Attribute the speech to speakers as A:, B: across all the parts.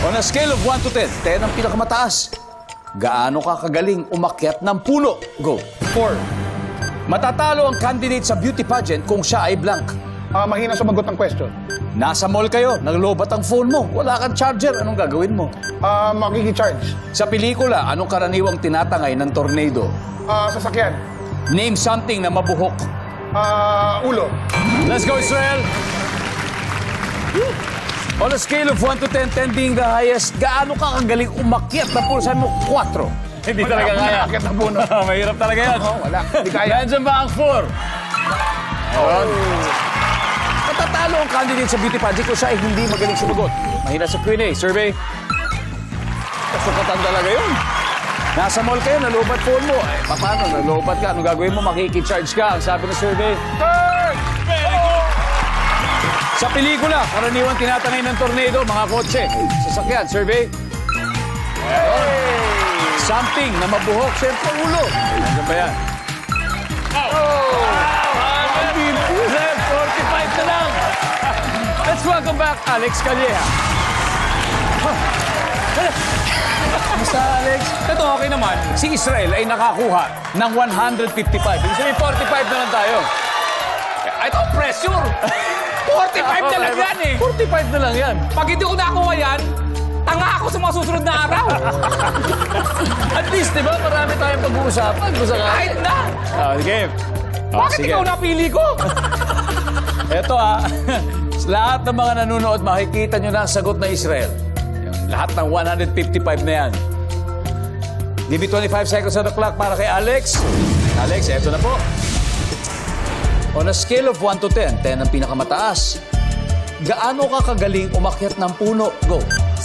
A: On a scale of 1 to 10, 10 ang pinakamataas. Gaano ka kagaling umakyat ng puno? Go.
B: 4.
A: Matatalo ang candidate sa beauty pageant kung siya ay blank.
B: Mahina sumagot ng question.
A: Nasa mall kayo, naglobat ang phone mo, wala kang charger, anong gagawin mo?
B: Makikicharge.
A: Sa pelikula, anong karaniwang tinatangay ng tornado?
B: Sasakyan.
A: Name something na mabuhok.
B: Ulo.
A: Let's go, Israel! On a scale of 1 to 10, 10 being the highest, gaano ka kagaling umakyat na puno? Sabi mo, 4. Hindi talaga kaya.
B: Umakyat ng puno.
A: Mahirap talaga yan.
B: Wala. Hindi kaya.
A: Nandiyan ba ang 4? Matatalo ang candidate sa beauty pageant kung siya ay hindi magaling sumagot. Mahina sa Q&A. Survey. Kasukatan talaga yun. Nasa mall kayo, nalobat phone mo. Eh, paano? Nalobat ka. Anong gagawin mo? Makikicharge ka. Ang sabi ng survey. Third! Very good! Sa pelikula, karaniwang tinatangay ng tornado, mga kotse. Sasakyan. Survey. Something na mabuhok. Siyempre, ulo. Nandiyan ba yan? Oh! 45 na lang. Let's welcome back Alex Calleja. Basta, Alex?
C: Ito, okay naman.
A: Si Israel ay nakakuha ng 155. Ibig sabihin, 45 na lang tayo.
C: Ito, pressure. 45 na lang yan eh.
A: 45 na lang yan.
C: Pag hindi ko nakuha yan, tanga ako sa mga susunod na araw.
A: At least, di ba, marami tayong pag-uusapan. Gusto ka?
C: Kahit na.
A: Game.
C: Bakit ikaw napili ko?
A: Ito lahat ng mga nanonood, makikita nyo na ang sagot na Israel. Lahat ng 155 na yan. Give me 25 seconds on the clock para kay Alex. Alex, eto na po. On a scale of 1 to 10, 10 ang pinakamataas. Gaano ka kagaling umakyat ng puno? Go.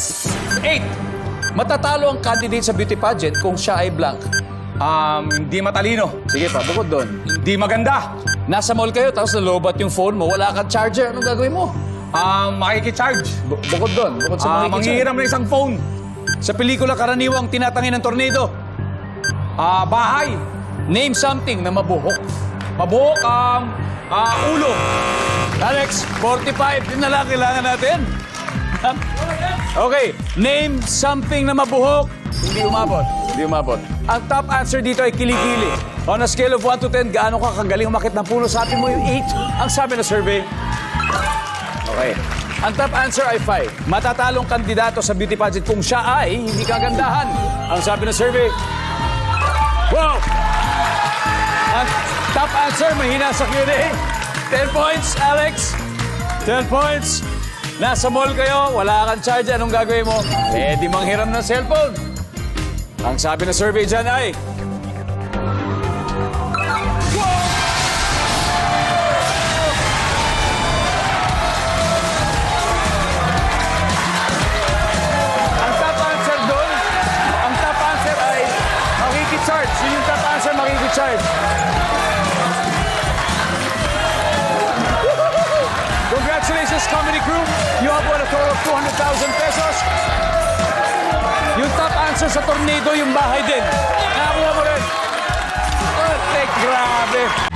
C: 8.
A: Matatalo ang candidate sa beauty pageant kung siya ay blank.
C: Hindi matalino.
A: Sige pa, bukod doon.
C: Hindi maganda.
A: Nasa mall kayo, tapos nalobat yung phone mo, wala kang charger. Anong gagawin mo?
C: Makikicharge.
A: Bukod doon, bukod sa makikicharge.
C: Manghihiram ng isang phone.
A: Sa pelikula, karaniwang tinatangay ng tornado.
C: Bahay.
A: Name something na mabuhok.
C: Mabuhok. Ulo.
A: Alex, 45 din na lang kailangan natin. Okay, name something na mabuhok. Hindi umabot. Hindi umabot. Ang top answer dito ay kilikili. On a scale of 1 to 10, gaano ka kagaling umakit ng puno? Sabi mo yung 8. Ang sabi na survey. Okay. Ang top answer ay 5. Matatalong kandidato sa beauty pageant kung siya ay hindi kagandahan. Ang sabi na survey. Wow! Ang top answer, mahina sa Q&A. 10 points, Alex. 10 points. Nasa mall kayo, wala kang charge. Anong gagawin mo? Eh, di manghiram ng cellphone. Ang sabi na survey dyan ay... Ang top answer doon, ang top answer ay makikicharge. Yun yung top answer, makikicharge. Congratulations, comedy crew. You have won a total of 200,000 pesos. Yung top answer sa tornado, yung bahay din. Nakakuha mo rin. Oh, grabe.